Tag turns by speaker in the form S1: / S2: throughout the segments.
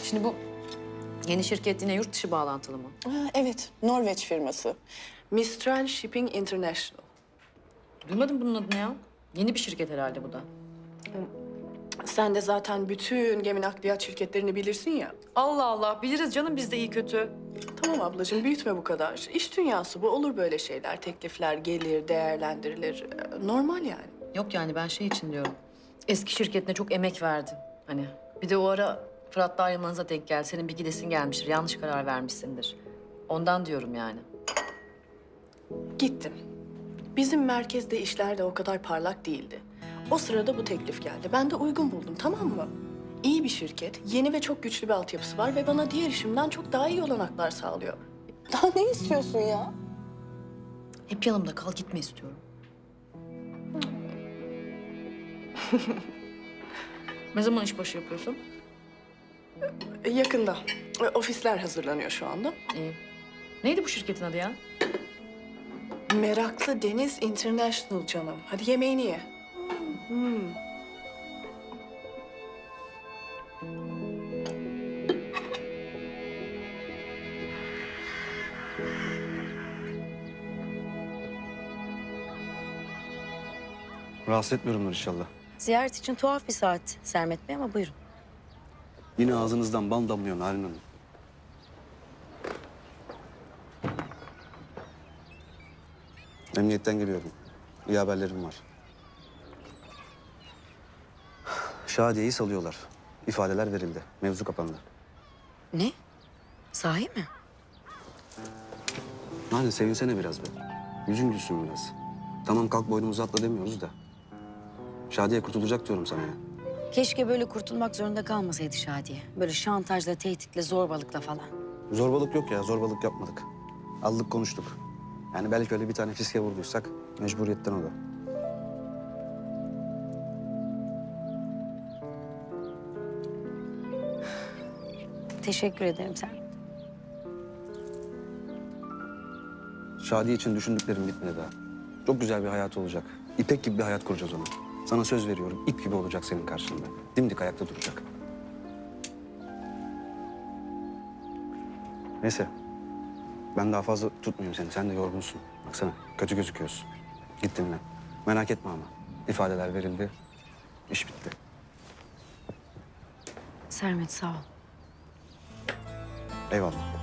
S1: Şimdi bu yeni şirket yine yurt dışı bağlantılı mı?
S2: Evet, Norveç firması. Mistral Shipping International.
S1: Duymadım bunun adını ya. Yeni bir şirket herhalde bu da.
S2: Sen de zaten bütün gemi nakliyat şirketlerini bilirsin ya.
S1: Allah Allah, biliriz canım biz de iyi kötü.
S2: Tamam ablacığım, büyütme bu kadar. İş dünyası bu, olur böyle şeyler. Teklifler gelir, değerlendirilir. Normal yani.
S1: Yok yani ben şey için diyorum. Eski şirketine çok emek verdin. Hani bir de o ara Fırat'la ayrılmanıza denk geldi. Senin bir gidesin gelmiştir, yanlış karar vermişsindir. Ondan diyorum yani.
S2: Gittim. Bizim merkezde işler de o kadar parlak değildi. O sırada bu teklif geldi. Ben de uygun buldum, tamam mı? İyi bir şirket, yeni ve çok güçlü bir altyapısı var ve bana diğer işimden çok daha iyi olanaklar sağlıyor. Daha ne istiyorsun ya?
S1: Hep yanımda kal, gitme istiyorum. Ne zaman işbaşı yapıyorsun?
S2: Yakında. Ofisler hazırlanıyor şu anda.
S1: İyi. Neydi bu şirketin adı ya?
S2: Meraklı Deniz International canım. Hadi yemeğini ye.
S3: Rahatsız etmiyorumdur inşallah.
S4: Ziyaret için tuhaf bir saat Sermet Bey ama buyurun.
S3: Yine ağzınızdan bal damlıyor Narin Hanım. Emniyetten geliyorum. İyi haberlerim var. Şadiye'yi salıyorlar. İfadeler verildi. Mevzu kapandı.
S4: Ne? Sahi mi?
S3: Narin sevinsene biraz be. Yüzün gülsün biraz. Tamam kalk boynumuzu atla demiyoruz da. Şadiye kurtulacak diyorum sana ya.
S4: Keşke böyle kurtulmak zorunda kalmasaydı Şadiye. Böyle şantajla, tehditle, zorbalıkla falan.
S3: Zorbalık yok ya, zorbalık yapmadık. Aldık konuştuk. Yani belki öyle bir tane fiske vurduysak mecburiyetten o da.
S4: Teşekkür ederim Sermet.
S3: Şadiye için düşündüklerim bitmedi daha. Çok güzel bir hayat olacak. İpek gibi bir hayat kuracağız ona. Sana söz veriyorum, ip gibi olacak senin karşında. Dimdik ayakta duracak. Neyse. Ben daha fazla tutmayayım seni. Sen de yorgunsun. Baksana, kötü gözüküyorsun. Git dinlen. Merak etme ama. İfadeler verildi. İş bitti.
S4: Sermet sağ ol.
S3: Eyvallah.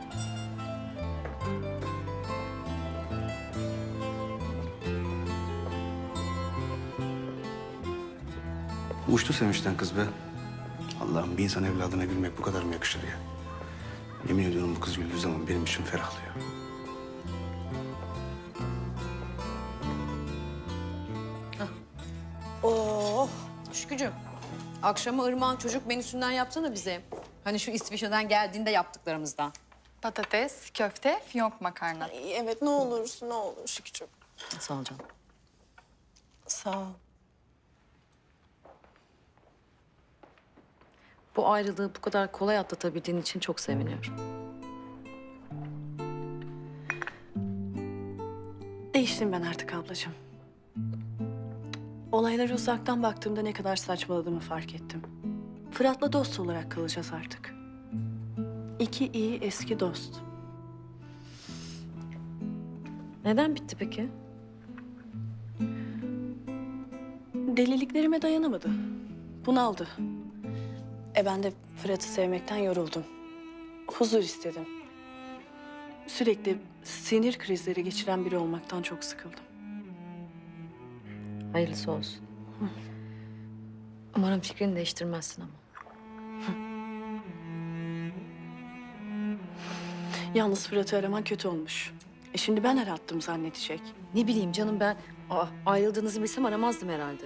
S3: Uçtu sevinçten kız be. Allah'ım bir insan evladına gülmek bu kadar mı yakışır ya? Yemin ediyorum bu kız güldüğü zaman benim içim ferahlıyor.
S1: Oh, Şükrücüğüm. Akşama Irmak'ın çocuk menüsünden yapsana bize. Hani şu İsviçre'den geldiğinde yaptıklarımızdan.
S5: Patates, köfte, fiyonk makarna.
S2: Ay, evet, ne olursun, ne olur Şükrücüğüm.
S1: Sağ ol canım.
S2: Sağ ol.
S1: Bu ayrılığı bu kadar kolay atlatabildiğin için çok seviniyorum.
S2: Değiştim ben artık ablacığım. Olaylara uzaktan baktığımda ne kadar saçmaladığımı fark ettim. Fırat'la dost olarak kalacağız artık. İki iyi eski dost.
S1: Neden bitti peki?
S2: Deliliklerime dayanamadı. Bunaldı. Ben de Fırat'ı sevmekten yoruldum. Huzur istedim. Sürekli sinir krizleri geçiren biri olmaktan çok sıkıldım.
S1: Hayırlısı olsun. Umarım fikrini değiştirmezsin ama.
S2: Yalnız Fırat'ı araman kötü olmuş. Şimdi ben arattım zannedecek.
S1: Ne bileyim canım ben ayrıldığınızı bilsem aramazdım herhalde.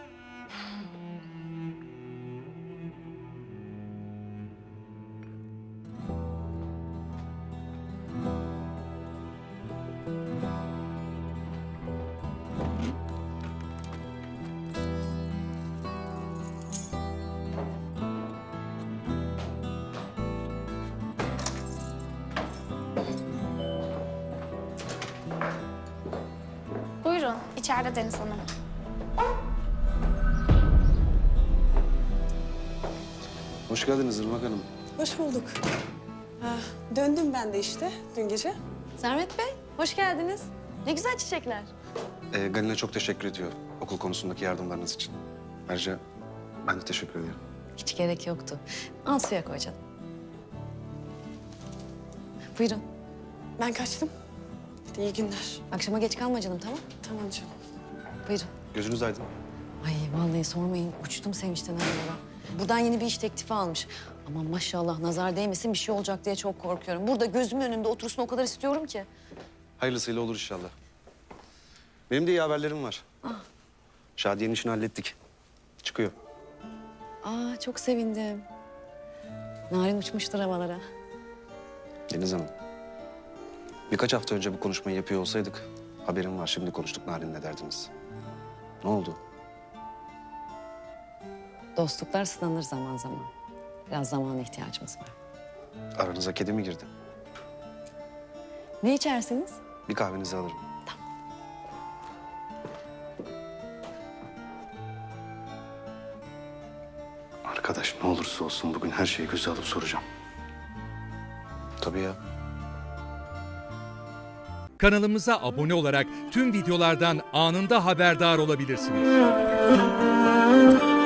S6: Buyurun, içeride Deniz Hanım.
S3: Hoş geldiniz Irmak Hanım.
S7: Hoş bulduk. Döndüm ben de işte dün gece.
S1: Sermet Bey, hoş geldiniz. Ne güzel çiçekler.
S3: Galina çok teşekkür ediyor okul konusundaki yardımlarınız için. Ayrıca ben de teşekkür ederim.
S1: Hiç gerek yoktu. Al suya koy canım. Buyurun.
S7: Ben kaçtım. Hadi iyi günler.
S1: Akşama geç kalma canım, tamam?
S7: Tamam canım.
S1: Buyurun.
S3: Gözünüz aydın.
S1: Ay vallahi sormayın. Uçtum sevinçten aralara. Buradan yeni bir iş teklifi almış. Ama maşallah nazar değmesin bir şey olacak diye çok korkuyorum. Burada gözümün önünde otursun o kadar istiyorum ki.
S3: Hayırlısıyla olur inşallah. Benim de iyi haberlerim var. Şadiye'nin işini hallettik. Çıkıyor.
S1: Aa çok sevindim. Narin uçmuştur havalara.
S3: Deniz Hanım. Birkaç hafta önce bu konuşmayı yapıyor olsaydık... haberim var, şimdi konuştuk Narin'le derdiniz. Ne oldu?
S1: Dostluklar sınanır zaman zaman. Biraz zamana ihtiyacımız var.
S3: Aranıza kedi mi girdi?
S1: Ne içersiniz?
S3: Bir kahvenizi alırım. Arkadaş ne olursa olsun bugün her şeyi göze alıp soracağım. Tabii ya.
S8: Kanalımıza abone olarak tüm videolardan anında haberdar olabilirsiniz.